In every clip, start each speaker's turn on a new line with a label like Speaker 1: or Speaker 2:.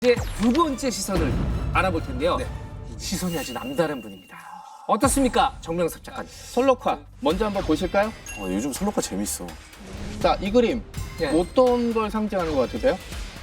Speaker 1: 이제 두 번째 시선을 알아볼 텐데요. 시선이 아주 남다른 분입니다. 어떻습니까, 정명섭 작가님?
Speaker 2: 솔로카 먼저 한번 보실까요?
Speaker 3: 요즘 솔로카 재밌어.
Speaker 2: 자, 이 그림
Speaker 1: 네.
Speaker 2: 어떤 걸 상징하는 것 같으세요?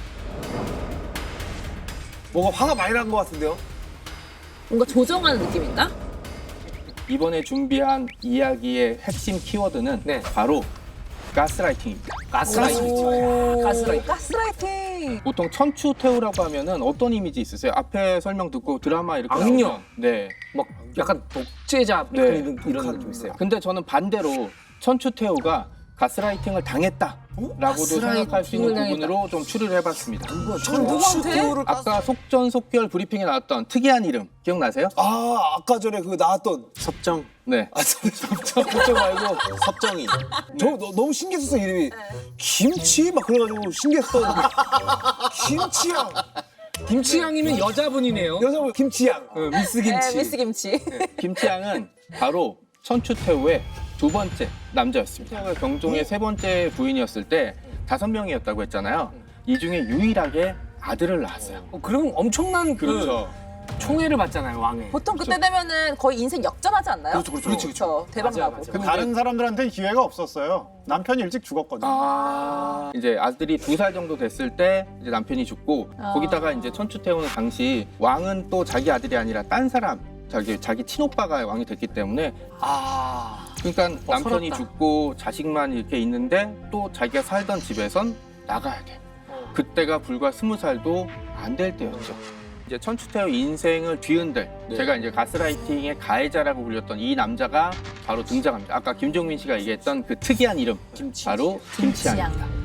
Speaker 3: 뭔가 화가 많이 난 것 같은데요?
Speaker 4: 뭔가 조정하는 느낌인가?
Speaker 2: 이번에 준비한 이야기의 핵심 키워드는
Speaker 1: 네.
Speaker 2: 바로 가스라이팅입니다.
Speaker 1: 가스라이팅. 가스라이팅.
Speaker 4: 가스라이팅.
Speaker 2: 보통 천추태우라고 하면은 어떤 이미지 있으세요? 앞에 설명 듣고 드라마 이렇게
Speaker 1: 악녀.
Speaker 2: 나오면. 네.
Speaker 1: 막 약간 독재자
Speaker 2: 네.
Speaker 1: 이런 느낌 있어요.
Speaker 2: 근데 저는 반대로 천추태우가 가스라이팅을 당했다라고도 생각할 수 있는
Speaker 1: 가스라이팅을
Speaker 2: 부분으로 좀 추리를 해봤습니다.
Speaker 4: 누구한테?
Speaker 2: 아까 속전속결 브리핑에 나왔던 특이한 이름 기억나세요?
Speaker 3: 아까 전에 그 나왔던 섭정.
Speaker 2: 네.
Speaker 3: 섭정 말고 섭정이. 너무 신기했었어 이름이. 김치 막 그래가지고 신기했던. 김치양.
Speaker 1: 김치향이면 여자분이네요.
Speaker 3: 여자분 김치양.
Speaker 1: 미스 김치.
Speaker 4: 네, 미스 김치.
Speaker 2: 김치양은 바로 천추태우의 두 번째 남자였습니다. 경종의 세 번째 부인이었을 때 5명이었다고 했잖아요. 이 중에 유일하게 아들을 낳았어요.
Speaker 1: 그럼 엄청난
Speaker 2: 그렇죠.
Speaker 1: 총애를 받잖아요, 왕의.
Speaker 4: 보통 그때 되면은 거의 인생 역전하지 않나요?
Speaker 3: 그렇죠.
Speaker 4: 대박
Speaker 1: 맞아요,
Speaker 4: 나고.
Speaker 1: 맞아요.
Speaker 5: 다른 사람들한테는 기회가 없었어요. 남편이 일찍 죽었거든요.
Speaker 2: 이제 아들이 2살 정도 됐을 때 이제 남편이 죽고 거기다가 이제 천추태우는 당시 왕은 또 자기 아들이 아니라 딴 사람 자기 친오빠가 왕이 됐기 때문에 그러니까 남편이
Speaker 1: 서럽다.
Speaker 2: 죽고 자식만 이렇게 있는데 또 자기가 살던 집에선 나가야 돼. 그때가 불과 20살도 안 될 때였죠. 이제 천추태우 인생을 뒤흔들 제가 이제 가스라이팅의 가해자라고 불렸던 이 남자가 바로 등장합니다. 아까 김종민 씨가 얘기했던 그 특이한 이름 바로 김치향입니다.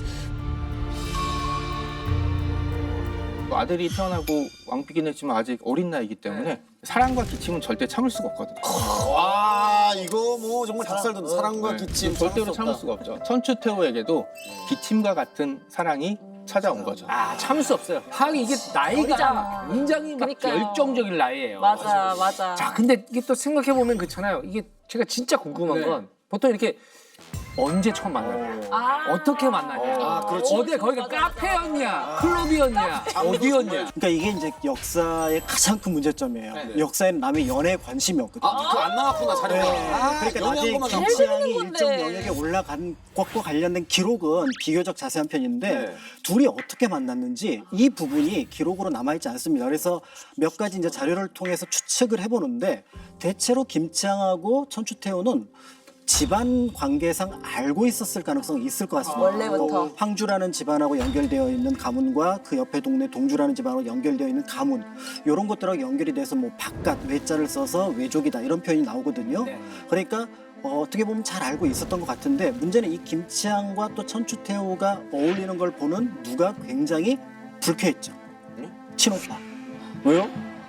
Speaker 2: 아들이 태어나고 왕비긴 했지만 아직 어린 나이기 때문에 사랑과 기침은 절대 참을 수가 없거든요.
Speaker 3: 와 이거 뭐 정말 닭살도 사랑과
Speaker 2: 네,
Speaker 3: 기침
Speaker 2: 절대로 참을 수가 없죠. 천추태우에게도 기침과 같은 사랑이 찾아온 거죠.
Speaker 1: 참을 수 없어요. 하긴 이게 나이가
Speaker 4: 어리잖아.
Speaker 1: 굉장히 막
Speaker 4: 그러니까요.
Speaker 1: 열정적인 나이예요.
Speaker 4: 맞아.
Speaker 1: 자, 근데 이게 또 생각해보면 그렇잖아요. 이게 제가 진짜 궁금한
Speaker 2: 네.
Speaker 1: 건 보통 이렇게 언제 처음 만나냐, 어떻게 만나냐,
Speaker 3: 그렇지.
Speaker 1: 어디 거기가 카페였냐, 클럽이었냐, 어디였냐.
Speaker 6: 그러니까 이게 이제 역사의 가장 큰 문제점이에요. 역사에는 남의 연애에 관심이 없거든요.
Speaker 3: 그거 안 나왔구나 자료가.
Speaker 6: 그러니까 나중에
Speaker 3: 연애한 것만
Speaker 6: 김치향이
Speaker 4: 건데.
Speaker 6: 일정 영역에 올라간 것과 관련된 기록은 비교적 자세한 편인데
Speaker 3: 네.
Speaker 6: 둘이 어떻게 만났는지 이 부분이 기록으로 남아있지 않습니다. 그래서 몇 가지 이제 자료를 통해서 추측을 해보는데 대체로 김치향하고 천추태우는 집안 관계상 알고 있었을 가능성이 있을 것 같습니다.
Speaker 4: 원래부터.
Speaker 6: 황주라는 집안하고 연결되어 있는 가문과 그 옆에 동네 동주라는 집안하고 연결되어 있는 가문 이런 것들하고 연결이 돼서 뭐 바깥 외자를 써서 외족이다 이런 표현이 나오거든요. 그러니까 어떻게 보면 잘 알고 있었던 것 같은데 문제는 이 김치향과 또 천추태우가 어울리는 걸 보는 누가 굉장히 불쾌했죠. 친오빠.
Speaker 3: 왜요?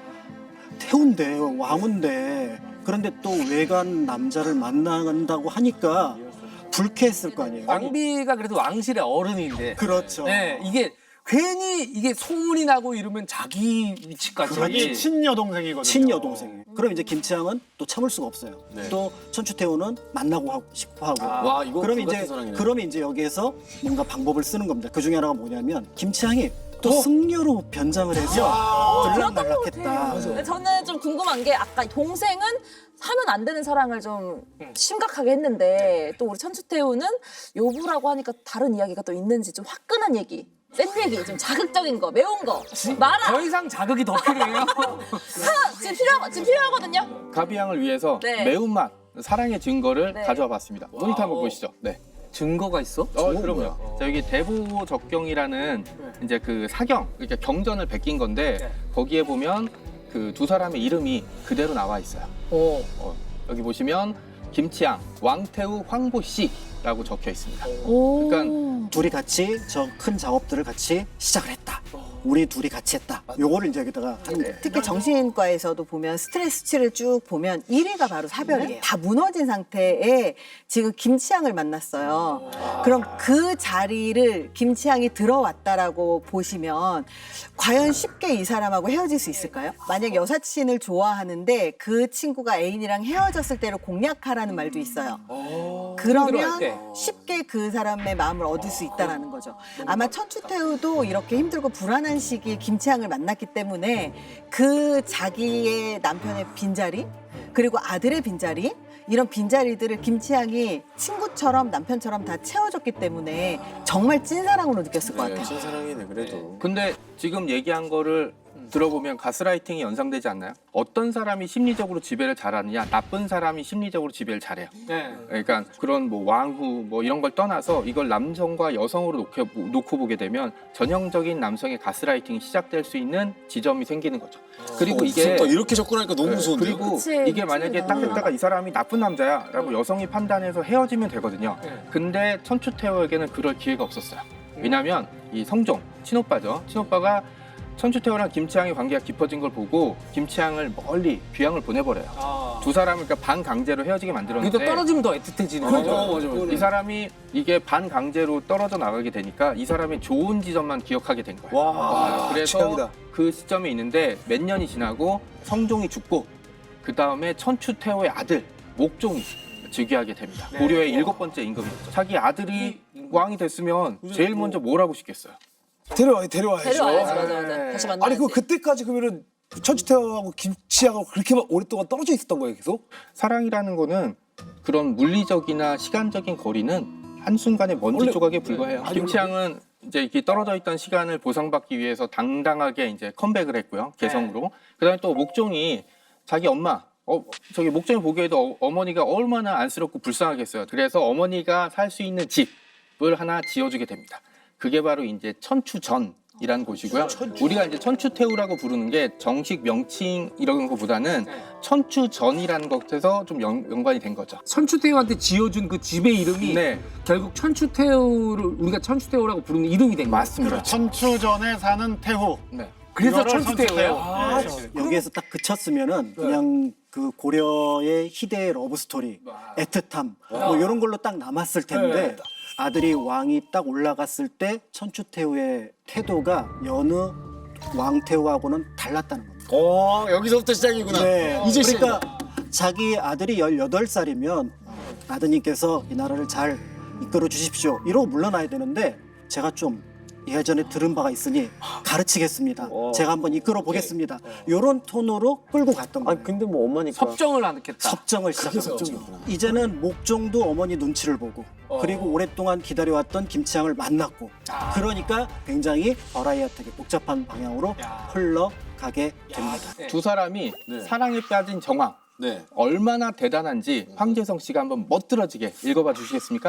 Speaker 6: 태우인데 왕인데 그런데 또 외간 남자를 만난다고 하니까 불쾌했을 거 아니에요.
Speaker 1: 왕비가 그래도 왕실의 어른인데.
Speaker 6: 그렇죠.
Speaker 1: 네, 이게 괜히 이게 소문이 나고 이러면 자기 위치까지.
Speaker 5: 자기 친여동생이거든요.
Speaker 6: 친여동생이에요. 그럼 이제 김치향은 또 참을 수가 없어요. 또 천추태우는 만나고 싶어 하고.
Speaker 3: 와 이거
Speaker 6: 그럼
Speaker 3: 불같은
Speaker 6: 이제
Speaker 3: 사랑이네.
Speaker 6: 그러면 이제 여기에서 뭔가 방법을 쓰는 겁니다. 그 중에 하나가 뭐냐면 김치향이 또 승려로 변장을 해서 들락날락했다.
Speaker 4: 근데 저는 좀 궁금한 게 아까 동생은 하면 안 되는 사랑을 좀 심각하게 했는데 또 우리 천추태우는 요부라고 하니까 다른 이야기가 또 있는지 좀 화끈한 얘기, 센 얘기, 좀 자극적인 거, 매운 거 말아.
Speaker 1: 더 이상 자극이 더 필요해요.
Speaker 4: 지금 필요하거든요.
Speaker 2: 가비양을 위해서
Speaker 4: 네.
Speaker 2: 매운맛, 사랑의 증거를
Speaker 4: 네.
Speaker 2: 가져와 봤습니다. 모니터 한번 보시죠. 네.
Speaker 1: 증거가 있어?
Speaker 2: 그럼요. 자, 여기 대보적경이라는 이제 그 사경, 그러니까 경전을 베낀 건데 거기에 보면 그 두 사람의 이름이 그대로 나와 있어요. 여기 보시면 김치향, 왕태우, 황보씨라고 적혀 있습니다. 그러니까
Speaker 6: 둘이 같이 저 큰 작업들을 같이 시작을 했다. 우리 둘이 같이 했다. 요거를 이제 여기다가 하는 거예요.
Speaker 7: 특히 정신과에서도 보면 스트레스 수치를 쭉 보면 1위가 바로 사별이에요. 다 무너진 상태에 지금 김치향을 만났어요. 그럼 그 자리를 김치향이 들어왔다라고 보시면 과연 쉽게 이 사람하고 헤어질 수 있을까요? 만약 여사친을 좋아하는데 그 친구가 애인이랑 헤어졌을 때를 공략하라는 말도 있어요. 그러면
Speaker 1: 네.
Speaker 7: 쉽게 그 사람의 마음을 얻을 수 있다라는 거죠. 아마 천추태우도 이렇게 힘들고 불안한 시기에 김치향을 만났기 때문에 그 자기의 남편의 빈자리 그리고 아들의 빈자리 이런 빈자리들을 김치향이 친구처럼 남편처럼 다 채워줬기 때문에 정말 찐사랑으로 느꼈을 것 같아요.
Speaker 3: 신사랑이네 그래도.
Speaker 2: 근데 지금 얘기한 거를 들어보면 가스라이팅이 연상되지 않나요? 어떤 사람이 심리적으로 지배를 잘하느냐, 나쁜 사람이 심리적으로 지배를 잘해요.
Speaker 1: 네.
Speaker 2: 그러니까 그런 뭐 왕후 뭐 이런 걸 떠나서 이걸 남성과 여성으로 놓고 보게 되면 전형적인 남성의 가스라이팅이 시작될 수 있는 지점이 생기는 거죠. 그리고 이게
Speaker 3: 무섭다. 이렇게 접근하니까 너무 무서운데요.
Speaker 2: 그리고
Speaker 4: 그치,
Speaker 2: 이게 만약에 딱 했다가 이 사람이 나쁜 남자야라고 여성이 판단해서 헤어지면 되거든요. 근데 천추태호에게는 그럴 기회가 없었어요. 왜냐하면 이 성종 친오빠죠. 친오빠가 천추태호랑 김치향의 관계가 깊어진 걸 보고 김치향을 멀리 귀향을 보내버려요.
Speaker 1: 아.
Speaker 2: 두 사람을 그러니까 반강제로 헤어지게
Speaker 1: 이게 또
Speaker 2: 만들었는데
Speaker 1: 떨어지면 더 애틋해지는
Speaker 2: 그렇죠.
Speaker 1: 거죠.
Speaker 2: 이 사람이 이게 반강제로 떨어져 나가게 되니까 이 사람이 좋은 지점만 기억하게 된 거예요.
Speaker 3: 와,
Speaker 2: 그래서
Speaker 3: 최악이다.
Speaker 2: 그 시점에 있는데 몇 년이 지나고 성종이 죽고 그 다음에 천추태호의 아들 목종이 즉위하게 됩니다.
Speaker 1: 네.
Speaker 2: 고려의 7번째 임금이었죠. 자기 아들이 왕이 됐으면 제일 먼저 뭘 하고 싶겠어요?
Speaker 3: 데려와야죠.
Speaker 4: 데려와야지 맞아. 다시 만나야지.
Speaker 3: 아니 그때까지 그러면은 천추태호하고 김치향하고 그렇게 오랫동안 떨어져 있었던 거예요 계속?
Speaker 2: 사랑이라는 거는 그런 물리적이나 시간적인 거리는 한순간의 먼지 조각에 불과해요. 김치향은 이제 이렇게 떨어져 있던 시간을 보상받기 위해서 당당하게 이제 컴백을 했고요. 개성으로. 그다음에 또 목종이 자기 엄마 저기 목종이 보기에도 어머니가 얼마나 안쓰럽고 불쌍하겠어요. 그래서 어머니가 살 수 있는 집을 하나 지어주게 됩니다. 그게 바로 이제 천추전이라는 곳이고요. 우리가 이제 천추태우라고 부르는 게 정식 명칭 이런 것보다는 천추전이라는 것에서 좀 연관이 된 거죠.
Speaker 1: 천추태호한테 지어준 그 집의 이름이
Speaker 2: 네,
Speaker 1: 결국 천추태호를 우리가 천추태호라고 부르는 이름이 된 거예요.
Speaker 2: 맞습니다.
Speaker 5: 천추전에 사는 태후.
Speaker 2: 네.
Speaker 1: 그래서
Speaker 5: 이거를
Speaker 1: 천추태호예요.
Speaker 6: 여기에서 딱 그쳤으면은 그냥 그 고려의 희대의 러브 스토리, 애틋함 뭐 이런 걸로 딱 남았을 텐데 아들이 왕이 딱 올라갔을 때 천추태후의 태도가 여느 왕태후하고는 달랐다는 겁니다.
Speaker 3: 여기서부터 시작이구나.
Speaker 6: 네.
Speaker 3: 이제
Speaker 6: 그러니까 자기 아들이 18살이면 아드님께서 이 나라를 잘 이끌어 주십시오. 이러고 물러나야 되는데 제가 좀 예전에 들은 바가 있으니 가르치겠습니다. 제가 한번 이끌어 보겠습니다. 이런 톤으로 끌고 갔던 거예요.
Speaker 3: 근데 뭐 엄마니까.
Speaker 1: 섭정을 안 했겠다.
Speaker 6: 섭정을 시작했죠. 이제는 목종도 어머니 눈치를 보고 그리고 오랫동안 기다려왔던 김치향을 만났고 그러니까 굉장히 버라이어트하게 복잡한 방향으로 흘러가게 됩니다.
Speaker 2: 두 사람이 사랑에 빠진 정황
Speaker 3: 네.
Speaker 2: 얼마나 대단한지 황재성 씨가 한번 멋들어지게 읽어봐 주시겠습니까?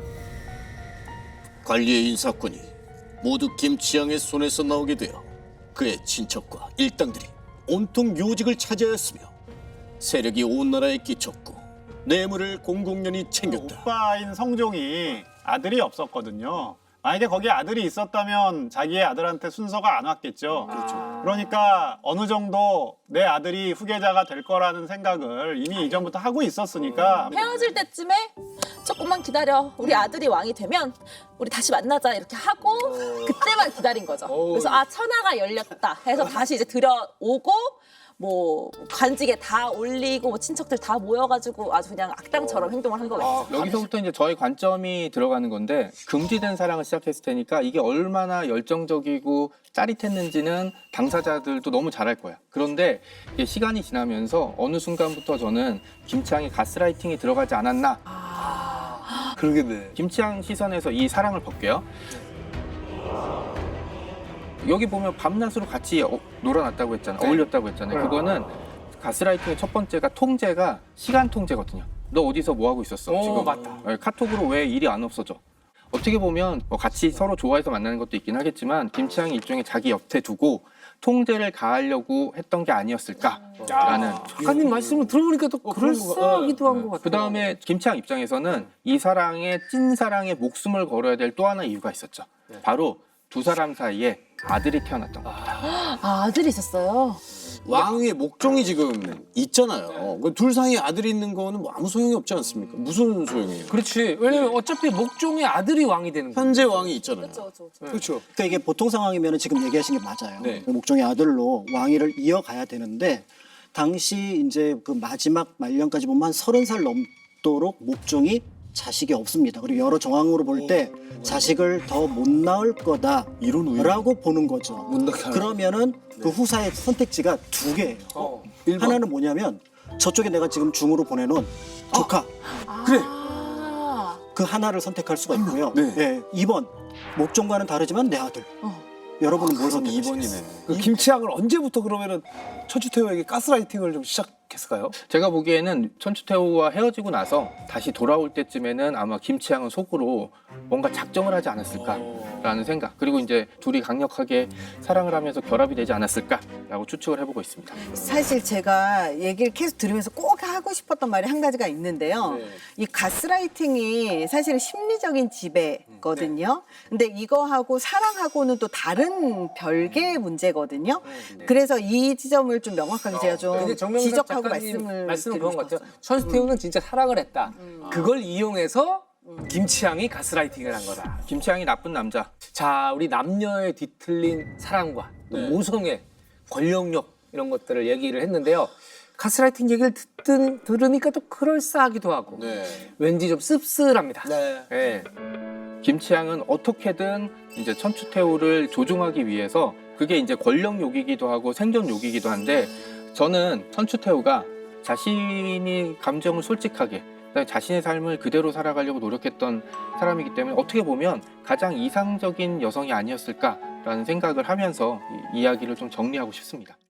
Speaker 8: 관리의 인사권이 모두 김치향의 손에서 나오게 되어 그의 친척과 일당들이 온통 요직을 차지하였으며 세력이 온 나라에 끼쳤고 뇌물을 공공연히 챙겼다.
Speaker 5: 오빠인 성종이 아들이 없었거든요. 만약에 거기에 아들이 있었다면 자기의 아들한테 순서가 안 왔겠죠. 그러니까 어느 정도 내 아들이 후계자가 될 거라는 생각을 이미 이전부터 하고 있었으니까
Speaker 4: 헤어질 때쯤에 조금만 기다려. 우리 아들이 왕이 되면 우리 다시 만나자 이렇게 하고 그때만 기다린 거죠. 그래서 천하가 열렸다 해서 다시 이제 들여오고 뭐 관직에 다 올리고 뭐 친척들 다 모여가지고 아주 그냥 악당처럼 행동을 한 거겠죠.
Speaker 2: 여기서부터 이제 저의 관점이 들어가는 건데 금지된 사랑을 시작했을 테니까 이게 얼마나 열정적이고 짜릿했는지는 당사자들도 너무 잘 알 거야. 그런데 이게 시간이 지나면서 어느 순간부터 저는 김치향의 가스라이팅이 들어가지 않았나.
Speaker 3: 그러겠네.
Speaker 2: 김치향 시선에서 이 사랑을 볼게요. 여기 보면 밤낮으로 같이 놀아놨다고 했잖아요. 어울렸다고 했잖아요. 그거는 가스라이팅의 첫 번째가 통제가 시간 통제거든요. 너 어디서 뭐 하고 있었어? 지금
Speaker 1: 맞다.
Speaker 2: 카톡으로 왜 일이 안 없어져? 어떻게 보면 뭐 같이 서로 좋아해서 만나는 것도 있긴 하겠지만 김치향이 일종의 자기 옆에 두고 통제를 가하려고 했던 게 아니었을까라는.
Speaker 1: 작가님 말씀을 들어보니까 또 그럴싸하기도 한 것 같아요.
Speaker 2: 그 다음에 김치향 입장에서는 이 사랑에 찐사랑에 목숨을 걸어야 될 또 하나 이유가 있었죠. 바로 두 사람 사이에 아들이 태어났던 겁니다.
Speaker 4: 아들이 있었어요.
Speaker 3: 왕의 목종이 지금 있잖아요. 둘 사이에 아들이 있는 거는 뭐 아무 소용이 없지 않습니까? 무슨 소용이에요?
Speaker 1: 그렇지. 왜냐면 어차피 목종의 아들이 왕이 되는 거예요.
Speaker 3: 현재 왕이 있잖아요.
Speaker 4: 그렇죠.
Speaker 3: 그렇죠.
Speaker 6: 그러니까 이게 보통 상황이면 지금 얘기하신 게 맞아요.
Speaker 3: 네.
Speaker 6: 목종의 아들로 왕위를 이어가야 되는데 당시 이제 그 마지막 말년까지 보면 한 30살 넘도록 목종이 자식이 없습니다. 그리고 여러 정황으로 볼 때 자식을 더 못 낳을 거다라고 보는 거죠.
Speaker 3: 못 낳게 하는.
Speaker 6: 그러면은 그 후사의 선택지가 두 개예요. 하나는 뭐냐면 저쪽에 내가 지금 중으로 보내놓은 조카
Speaker 3: 그래.
Speaker 4: 아.
Speaker 6: 그 하나를 선택할 수가 있고요.
Speaker 3: 네.
Speaker 6: 예, 2번 목종과는 다르지만 내 아들. 여러분은 뭘
Speaker 3: 그럼
Speaker 6: 선택하시겠어요?
Speaker 3: 2번이네.
Speaker 9: 그 김치향을 언제부터 그러면은 천추태호에게 가스라이팅을 좀 시작했을까요?
Speaker 2: 제가 보기에는 천추태호와 헤어지고 나서 다시 돌아올 때쯤에는 아마 김치향은 속으로 뭔가 작정을 하지 않았을까라는 생각, 그리고 이제 둘이 강력하게 사랑을 하면서 결합이 되지 않았을까라고 추측을 해보고 있습니다.
Speaker 7: 사실 제가 얘기를 계속 들으면서 꼭 하고 싶었던 말이 한 가지가 있는데요. 이 가스라이팅이 사실은 심리적인 지배거든요. 근데 이거하고 사랑하고는 또 다른 별개의 문제거든요. 그래서 이 지점을 좀 명확하게 제가 좀
Speaker 1: 근데 정명섭
Speaker 7: 지적하고
Speaker 1: 작가님 말씀은
Speaker 7: 드리고
Speaker 1: 그런 것 같아요.
Speaker 7: 싶었어요.
Speaker 1: 천수태우는 진짜 사랑을 했다. 그걸 이용해서 김치향이 가스라이팅을 한 거다.
Speaker 2: 김치향이 나쁜 남자.
Speaker 1: 자, 우리 남녀의 뒤틀린 사랑과 또 모성애, 권력력 이런 것들을 얘기를 했는데요. 가스라이팅 얘기를 들으니까 또 그럴싸하기도 하고
Speaker 3: 네.
Speaker 1: 왠지 좀 씁쓸합니다.
Speaker 3: 네.
Speaker 1: 예.
Speaker 2: 김치향은 어떻게든 이제 천추태후를 조종하기 위해서, 그게 이제 권력욕이기도 하고 생존욕이기도 한데, 저는 천추태후가 자신이 감정을 솔직하게, 그다음에 자신의 삶을 그대로 살아가려고 노력했던 사람이기 때문에 어떻게 보면 가장 이상적인 여성이 아니었을까라는 생각을 하면서 이 이야기를 좀 정리하고 싶습니다.